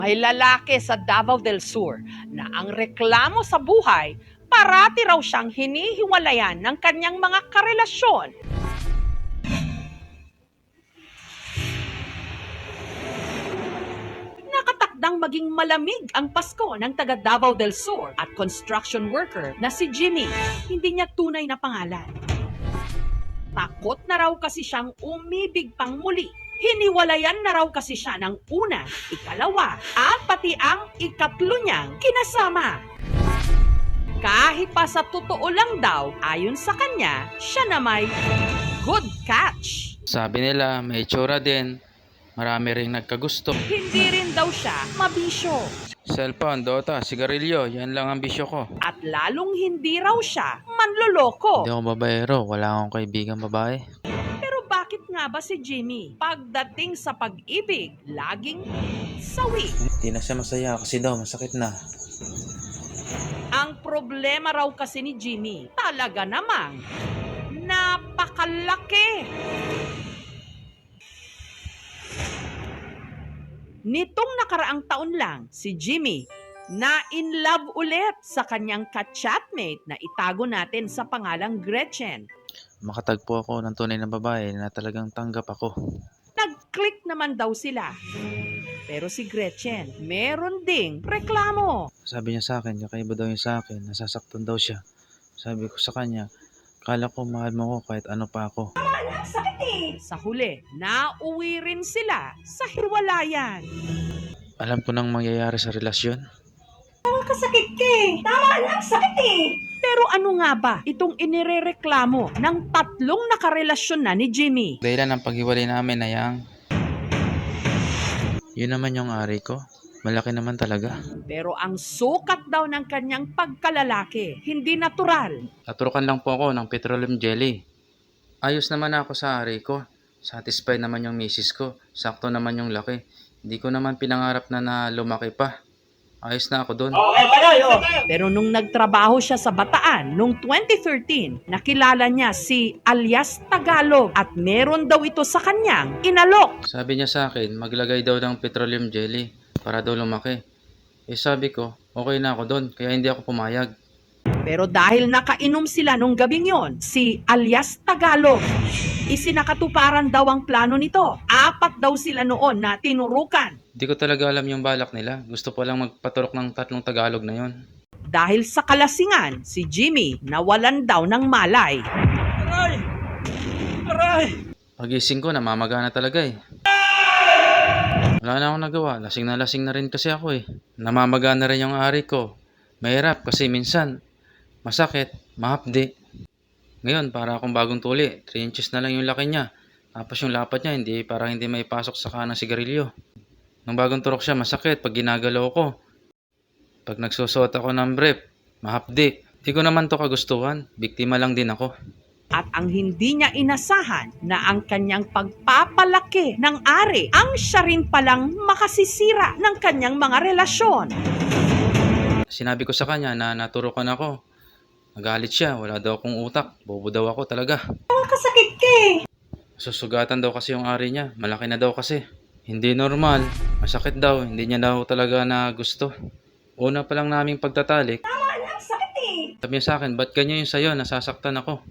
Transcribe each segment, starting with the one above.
May lalaki sa Davao del Sur na ang reklamo sa buhay, parati raw siyang hinihiwalayan ng kanyang mga karelasyon. Nakatakdang maging malamig ang Pasko ng taga Davao del Sur at construction worker na si Jimmy. Hindi niya tunay na pangalan. Takot na raw kasi siyang umibig pang muli. Hiniwalayan na raw kasi siya ng una, ikalawa, at pati ang ikatlo niyang kinasama. Kahit pa sa totoo lang daw, ayon sa kanya, siya na may good catch. Sabi nila, may itsura din. Marami ring nagkagusto. Hindi rin daw siya mabisyo. Cellphone, Dota, sigarilyo, yan lang ang bisyo ko. At lalong hindi raw siya manloloko. Hindi ako babaero, wala akong kaibigan babae. Pero bakit nga ba si Jimmy, pagdating sa pag-ibig, laging sawi? Hindi na siya masaya kasi daw masakit na. Ang problema raw kasi ni Jimmy, talaga namang napakalaki. Nitong nakaraang taon lang, si Jimmy na in love ulit sa kanyang ka-chatmate na itago natin sa pangalang Gretchen. Makatagpo ako ng tunay na babae na talagang tanggap ako. Nag-click naman daw sila. Pero si Gretchen, meron ding reklamo. Sabi niya sa akin, kakaiba daw yung sa akin, nasasaktan daw siya. Sabi ko sa kanya, kala ko mahal mo ko kahit ano pa ako. Sa huli, nauwi rin sila sa hiwalayan. Alam ko nang mangyayari sa relasyon. Pero ano nga ba itong inirereklamo ng tatlong nakarelasyon na ni Jimmy? Dahilan ng paghiwalay namin na yun naman yung ari ko. Malaki naman talaga. Pero ang sukat daw ng kanyang pagkalalaki, hindi natural. Naturukan lang po ako ng petroleum jelly. Ayos naman ako sa ari ko. Satisfied naman yung misis ko. Sakto naman yung laki. Hindi ko naman pinangarap na lumaki pa. Ayos na ako doon. Pero nung nagtrabaho siya sa Bataan noong 2013, nakilala niya si alias Tagalog at meron daw ito sa kanyang inalok. Sabi niya sa akin, maglagay daw ng petroleum jelly para daw lumaki. Eh sabi ko, okay na ako doon, kaya hindi ako pumayag. Pero dahil nakainom sila nung gabing yon, si alias Tagalog, isinakatuparan daw ang plano nito. 4 daw sila noon na tinurukan. Hindi ko talaga alam yung balak nila. Gusto ko lang magpaturok ng 3 Tagalog na yon. Dahil sa kalasingan, si Jimmy nawalan daw ng malay. Pagising ko, namamaga na talaga eh. Wala na akong nagawa. Lasing na rin kasi ako eh. Namamaga na rin yung ari ko. Mahirap kasi minsan masakit, mahapdi. Ngayon, para akong bagong tuli. 3 inches na lang yung laki niya. Tapos yung lapat niya, parang hindi may pasok sa kanang sigarilyo. Nung bagong turok siya, masakit pag ginagalaw ko. Pag nagsusuot ako ng brief, mahapdi. Di ko naman to kagustuhan. Biktima lang din ako. At ang hindi niya inasahan na ang kanyang pagpapalaki ng ari ang siya rin palang makasisira ng kanyang mga relasyon. Sinabi ko sa kanya na naturukan ako. Nagalit siya, wala daw akong utak. Bobo daw ako talaga. Kasakit ka eh. Susugatan daw kasi yung ari niya. Malaki na daw kasi. Hindi normal. Masakit daw. Hindi niya daw talaga na gusto. Una pa lang naming pagtatalik. Sabi niya sa akin, ba't ganyan yung sayo? Nasasaktan ako.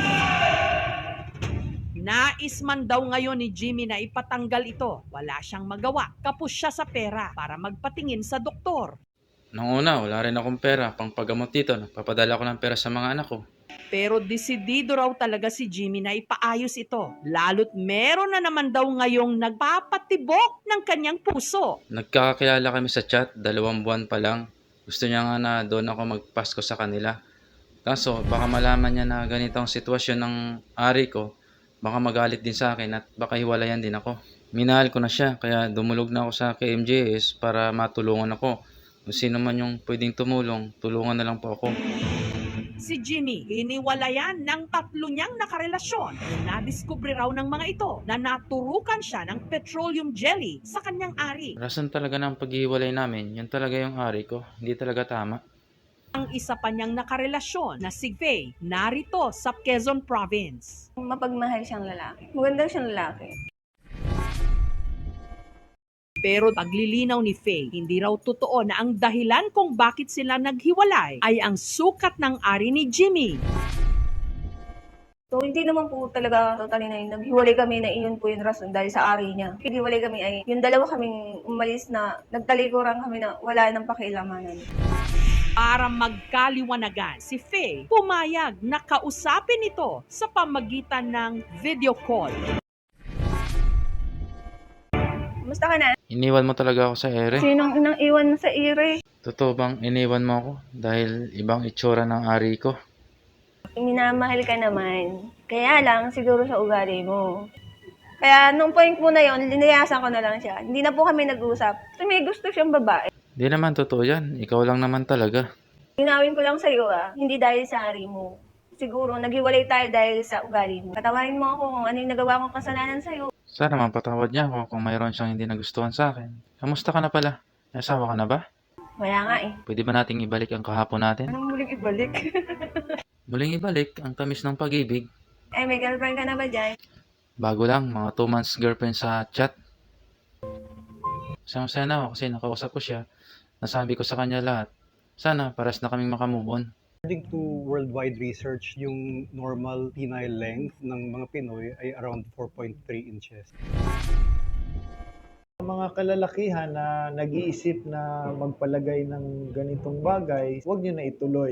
Nais man daw ngayon ni Jimmy na ipatanggal ito. Wala siyang magawa. Kapos siya sa pera para magpatingin sa doktor. Nung una, wala rin akong pera. Pangpagamot dito, nagpapadala ko ng pera sa mga anak ko. Pero desidido raw talaga si Jimmy na ipaayos ito. Lalo't meron na naman daw ngayong nagpapatibok ng kanyang puso. Nagkakakilala kami sa chat, 2 buwan pa lang. Gusto niya nga na doon ako magpasko sa kanila. Kaso, baka malaman niya na ganito ang sitwasyon ng ari ko. Baka magalit din sa akin at baka hiwalayan din ako. Minahal ko na siya, kaya dumulog na ako sa KMJS para matulungan ako. Kung sino man yung pwedeng tumulong, tulungan na lang po ako. Si Jimmy, hiniwalayan ng 3 niyang nakarelasyon. Nadiskubre raw ng mga ito na naturukan siya ng petroleum jelly sa kanyang ari. Rason talaga ng paghihiwalay namin, yun talaga yung ari ko. Hindi talaga tama. Ang isa pa niyang nakarelasyon na si Faye, narito sa Quezon Province. Mapagmahal siyang lalaki. Maganda siyang lalaki. Pero paglilinaw ni Faye, hindi raw totoo na ang dahilan kung bakit sila naghiwalay ay ang sukat ng ari ni Jimmy. So, hindi naman po talaga totally na yun. Naghiwalay kami na iyon po yung rason dahil sa ari niya. Naghiwalay kami ay yung dalawa kaming umalis na nagtalikuran kami na wala nang pakialamanan. Para magkaliwanagan, si Faye pumayag na kausapin ito sa pamagitan ng video call. Kumusta ka na? Iniwan mo talaga ako sa ere. Sinong inang iwan sa ire? Totoo bang iniwan mo ako dahil ibang itsura ng ari ko? Minamahal ka naman. Kaya lang, siguro sa ugali mo. Kaya nung point mo na yon, linayasan ko na lang siya. Hindi na po kami nag-usap. Kasi may gusto siyang babae. Di naman totoo yan. Ikaw lang naman talaga. Ginawin ko lang sa'yo hindi dahil sa ari mo. Siguro, naghiwalay tayo dahil sa ugali mo. Patawarin mo ako kung ano yung nagawa kong kasalanan sa'yo. Sana mapatawad niya ako kung mayroon siyang hindi nagustuhan sa akin. Kamusta ka na pala? May asawa ka na ba? Wala nga eh. Pwede ba nating ibalik ang kahapon natin? Anong muling ibalik? Muling ibalik ang tamis ng pag-ibig. Ay, may girlfriend ka na ba dyan? Bago lang, mga 2 months girlfriend sa chat. Masaya na ako kasi nakausap ko siya. Nasabi ko sa kanya lahat. Sana paras na kaming makamove on. According to worldwide research, yung normal penile length ng mga Pinoy ay around 4.3 inches. Mga kalalakihan na nag-iisip na magpalagay ng ganitong bagay, huwag nyo na ituloy.